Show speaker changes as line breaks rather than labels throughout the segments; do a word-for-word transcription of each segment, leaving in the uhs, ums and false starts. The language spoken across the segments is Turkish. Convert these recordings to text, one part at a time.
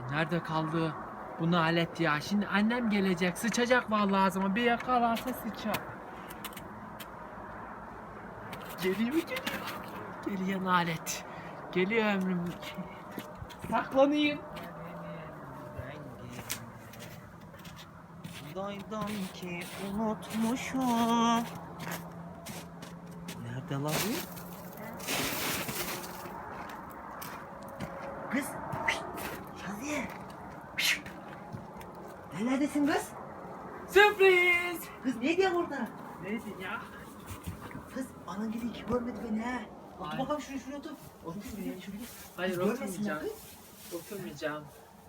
Nerede kaldı bu nalet ya? Şimdi annem gelecek, sıçacak vallahi ağzıma. Bir yakalarsa sıçar. Geliyor geliyor. Geliyor nalet. Geliyor ömrüm. Saklanayım.
Daydan ki unutmuşum. Nerede la bu? Kız. Şaziye. Neredesin kız?
Sürpriz.
Kız ne diyor orada?
Neydi ya?
Kız anan gibi hiç görmedi beni ha. Otur
Ay.
bakalım şuraya şuraya otur. Otur şuraya şuraya.
Hayır,
Kız görmesinler
oturmayacağım.
kız.
Oturmayacağım.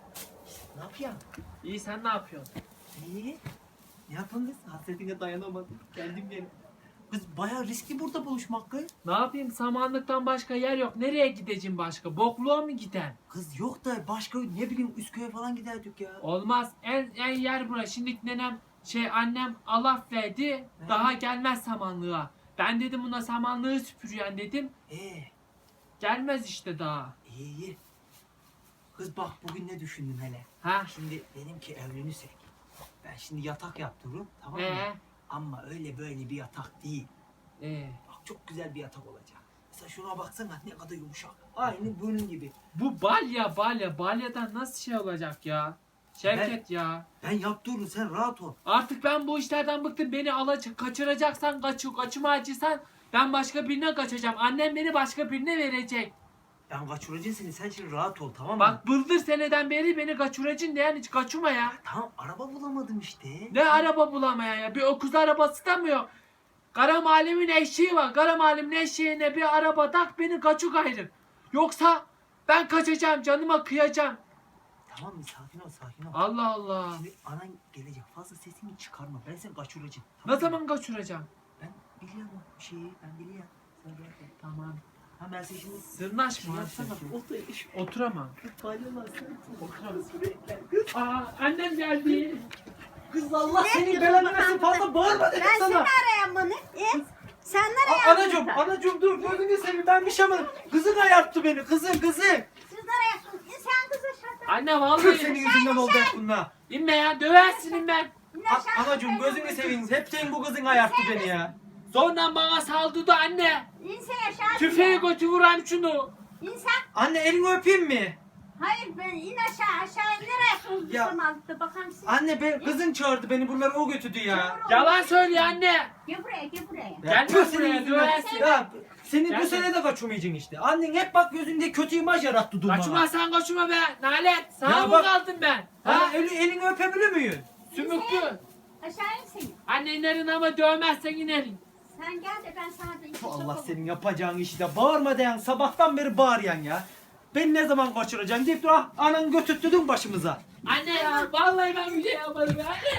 Ne yapıyorsun?
İyi, sen ne yapıyorsun?
İyi. Ne yapın kız? Hasretine dayanamadım. Geldim gene. Kız bayağı riskli burada buluşmak kız.
Ne yapayım? Samanlıktan başka yer yok. Nereye gideceğim başka? Bokluğa mı giden?
Kız yok da başka ne bileyim Üsküp'e falan giderdik ya.
Olmaz. En, en yer burası. Şimdi nenem şey annem alaf verdi.
He.
Daha gelmez samanlığa. Ben dedim buna samanlığı süpürüyen dedim.
Ee,
Gelmez işte daha.
iyi iyi. Kız bak bugün ne düşündüm hele.
Ha?
Şimdi dedim ki evlenirsek. Ben şimdi yatak yaptırırım tamam mı?
Ee?
Ama öyle böyle bir yatak değil.
Ee,
Bak çok güzel bir yatak olacak. Mesela şuna baksana ne kadar yumuşak. Aynı bunun gibi.
bu balya balya. Balyadan nasıl şey olacak ya? Şevket ya.
Ben yaptırırım sen rahat ol.
Artık ben bu işlerden bıktım. Beni alacak, kaçıracaksan kaçır, kaçıma acısan ben başka birine kaçacağım. Annem beni başka birine verecek.
Ben kaçıracağım seni sen şimdi rahat ol tamam mı?
Bak bıldır seneden beri beni kaçıracaksın diyen hiç kaçırma ya.
Tamam araba bulamadım işte.
Ne araba bulamayan ya? Bir öküz arabası da mı yok? Kara mahallemin eşeği var. Kara mahallemin eşeğine bir araba tak beni kaçuk ayrı. Yoksa ben kaçacağım, canıma kıyacağım.
Tamam mı sakin ol sakin ol.
Allah Allah.
Şimdi anan gelecek fazla sesini çıkarma ben seni kaçıracağım.
Ne
Tamam mı?
zaman kaçıracağım?
Ben biliyorum o şeyi ben biliyorum. Sen rahat ol.
Tamam.
Ha ben seni şimdi
Sırnaş mı?
yapsana. Otur.
Oturamam.
Palyalar sen.
Oturamam. Aa, annem geldi.
Kız Allah seni belanı versin fazla bağırma dedim
Ben seni
sana.
arayan bunu. E? Sen nereye
A- anacım, anacım dur gözünü seveyim ben bir şey yapmadım. Kızın ayarttı beni, kızın, kızın.
Siz nereye? E, sen kızı şaka.
Anne
Kız
vallahi.
senin yüzünden oldu hep bunlar.
İnme ya, döversin inme.
A- anacım gözünü seveyim, hep senin bu kızın ayarttı beni ya.
Sonra bana saldırdı anne.
İnse aşağı.
Tüfeği götü vuran şunu.
İnsan.
Anne elini öpeyim mi?
Hayır ben in aşağı aşağı nereye
Ya.
soldum altta bakalım siz.
Anne ben, kızın çağırdı beni buralara o götürdü ya.
Yalan söylüyor anne.
Gel buraya gel buraya.
Ya
Gelme
tüh
buraya,
senin yüzünden.
döversin.
Ya senin
Gelme.
bu sene de kaçırmayacaksın işte. Annen hep bak gözünde kötü imaj yarattı durmana.
Kaçma sen kaçma be. Nalet. Sana
Ya
mı
bak-
kaldım ben?
Ha,
Ha?
eli, elini öpebilir miyim?
Sümüklü.
Aşağı insin.
Anne inerin ama dövmezsen inerin.
Sen gel de ben sana da iki
Allah
sokurum.
senin yapacağın işi de bağırma diyen sabahtan beri bağıryan ya. Ben ne zaman kaçıracaksın deyip dur ah anan götürttürdün başımıza.
Anne ya vallahi ben bir şey yapmadım. Anne